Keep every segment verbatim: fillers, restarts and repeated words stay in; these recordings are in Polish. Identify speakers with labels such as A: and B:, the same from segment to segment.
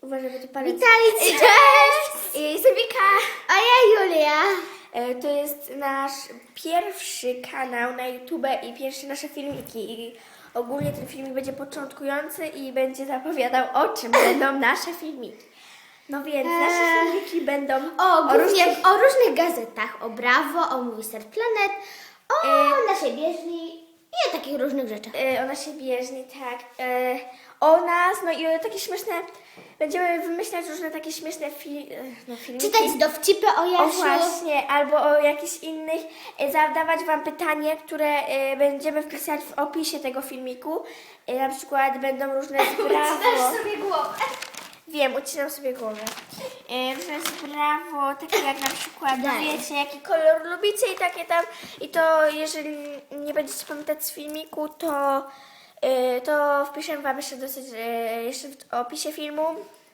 A: Uważaj, bo to palec.
B: Witajcie!
A: Cześć! Jestem Wika.
B: A ja Julia.
A: E, To jest nasz pierwszy kanał na YouTube i pierwsze nasze filmiki. I ogólnie ten filmik będzie początkujący i będzie zapowiadał, o czym będą nasze filmiki. No więc nasze
B: Eee.
A: filmiki będą
B: O, głównie
A: różnych...
B: o różnych gazetach. O Brawo, o Movie Star Planet, o
A: E.
B: naszej bieżni i o takich różnych rzeczach.
A: E, o naszej bieżni, tak. E, o nas, no i o takie śmieszne... Będziemy wymyślać różne takie śmieszne fil, no, filmiki.
B: Czytać dowcipy o
A: O
B: Jasiu.
A: właśnie, albo o jakichś innych, e, zadawać Wam pytanie, które e, będziemy wpisać w opisie tego filmiku. E, na przykład będą różne z brawo.
B: sobie głowę.
A: Wiem, ucinam sobie głowę. E, różne z brawo, takie jak na przykład,
B: Daj.
A: wiecie, jaki kolor lubicie i takie tam. I to jeżeli nie będziecie pamiętać z filmiku, to, e, to wpiszę Wam jeszcze dosyć, e, jeszcze w opisie filmu.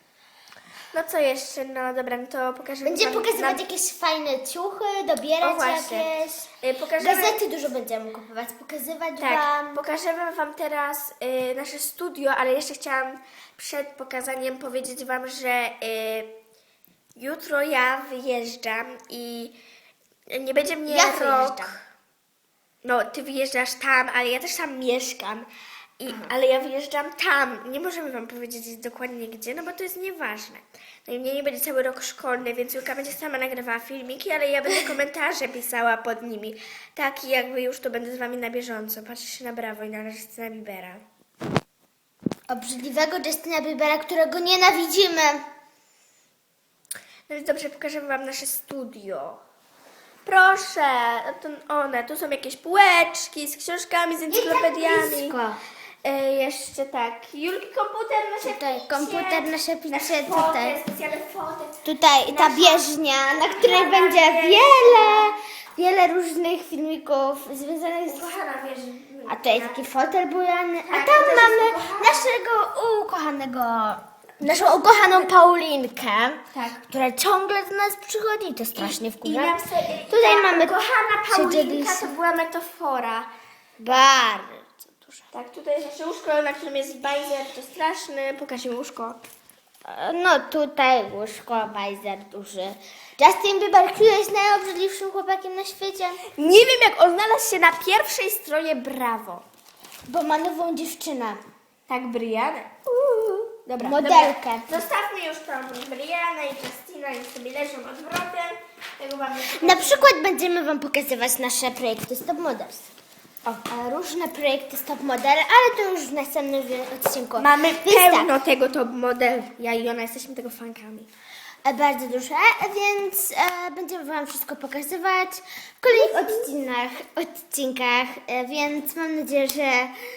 A: No co jeszcze? No dobra, no to pokażemy
B: Będziemy
A: wam
B: pokazywać
A: na-
B: jakieś fajne ciuchy,
A: O
B: dobierać
A: właśnie.
B: jakieś.
A: Y, Pokażemy,
B: Gazety dużo będziemy kupować, pokazywać
A: tak,
B: wam.
A: pokażemy Wam teraz y, nasze studio, ale jeszcze chciałam przed pokazaniem powiedzieć Wam, że y, jutro ja wyjeżdżam i nie będzie mnie
B: Ja
A: rok.
B: wyjeżdżam.
A: No, Ty wyjeżdżasz tam, ale ja też tam mieszkam. I, ale ja wyjeżdżam tam. Nie możemy Wam powiedzieć dokładnie gdzie, no bo to jest nieważne. No i mnie nie będzie cały rok szkolny, więc Julka będzie sama nagrywała filmiki, ale ja będę komentarze pisała pod nimi. Tak, i jakby już to będę z Wami na bieżąco. Patrzcie na Brawo i na Justyna Biebera.
B: Obrzydliwego Justina Biebera, którego nienawidzimy.
A: No więc dobrze, pokażemy Wam nasze studio. Proszę, to one, tu są jakieś półeczki z książkami, z encyklopediami.
B: blisko.
A: E, jeszcze tak, Julki komputer, nasze
B: Tutaj
A: picie,
B: komputer, nasze picie,
A: nasze
B: tutaj.
A: fotel, specjalne fotel.
B: Tutaj ta
A: Nasza-
B: bieżnia, na której
A: Kochana
B: będzie
A: bieżnia.
B: wiele, wiele różnych filmików związanych z...
A: Kochana, wiesz,
B: A tutaj taki fotel bujany, a
A: Tak,
B: tam
A: to też jest
B: mamy
A: ukochana.
B: naszego ukochanego, naszą ukochaną Paulinkę,
A: Tak.
B: która ciągle do nas przychodzi, to strasznie
A: I
B: wkurza.
A: nam se,
B: Tutaj
A: ta
B: mamy
A: kochana Paulinka,
B: siedzieliśmy.
A: to była metafora.
B: Bardzo dużo.
A: Tak, tutaj jest nasze łóżko, na którym jest bajzer, to straszny. Pokażmy łóżko.
B: No tutaj łóżko, bajzer duży. Justin Bieber, który jest najobrzydliwszym chłopakiem na świecie,
A: Nie wiem, jak on znalazł się na pierwszej stronie Brawo.
B: bo ma nową dziewczynę.
A: Tak, Brianę. Uuu. Dobra,
B: Modelkę.
A: Dobra. Zostawmy już tą Brianę i Justina i sobie leżą odwrotem. Tego wam nie
B: Na
A: pokażę.
B: przykład będziemy wam pokazywać nasze projekty Stop Models. O, a różne projekty Stop Model, ale to już w następnym odcinku.
A: Mamy
B: Więc
A: pełno
B: tak,
A: tego top model. Ja i ona jesteśmy tego fankami.
B: e, bardzo duże, więc e, będziemy wam wszystko pokazywać w kolejnych odcinkach, odcinkach e, więc mam nadzieję, że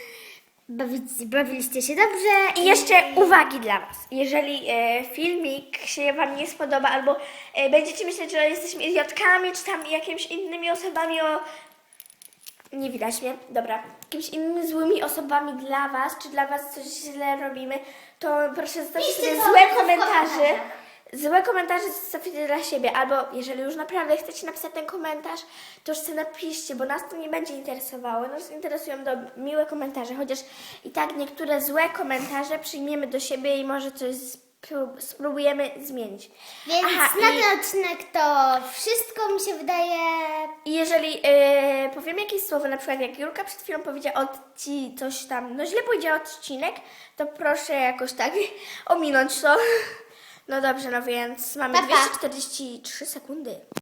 B: bawić, bawiliście się dobrze.
A: I jeszcze uwagi dla Was. Jeżeli e, filmik się Wam nie spodoba albo e, będziecie myśleć, że jesteśmy idiotkami, czy tam jakimiś innymi osobami o... Nie widać mnie. Dobra. Jakimiś innymi złymi osobami dla Was, czy dla Was coś źle robimy, to proszę zostawcie
B: Piszcie
A: sobie
B: co
A: złe
B: w
A: komentarze.
B: komentarzach.
A: Złe komentarze zostawcie dla siebie, albo jeżeli już naprawdę chcecie napisać ten komentarz, to już sobie napiszcie, bo nas to nie będzie interesowało. Nas interesują do miłe komentarze, chociaż i tak niektóre złe komentarze przyjmiemy do siebie i może coś spró- spróbujemy zmienić.
B: Więc
A: Aha,
B: na
A: i-
B: ten odcinek to wszystko mi się wydaje.
A: I jeżeli yy, powiem jakieś słowo, na przykład jak Julka przed chwilą powiedziała odci coś tam, no źle powiedziała odcinek, to proszę jakoś tak ominąć to. No dobrze, no więc mamy
B: Pa, pa.
A: dwieście czterdzieści trzy sekundy.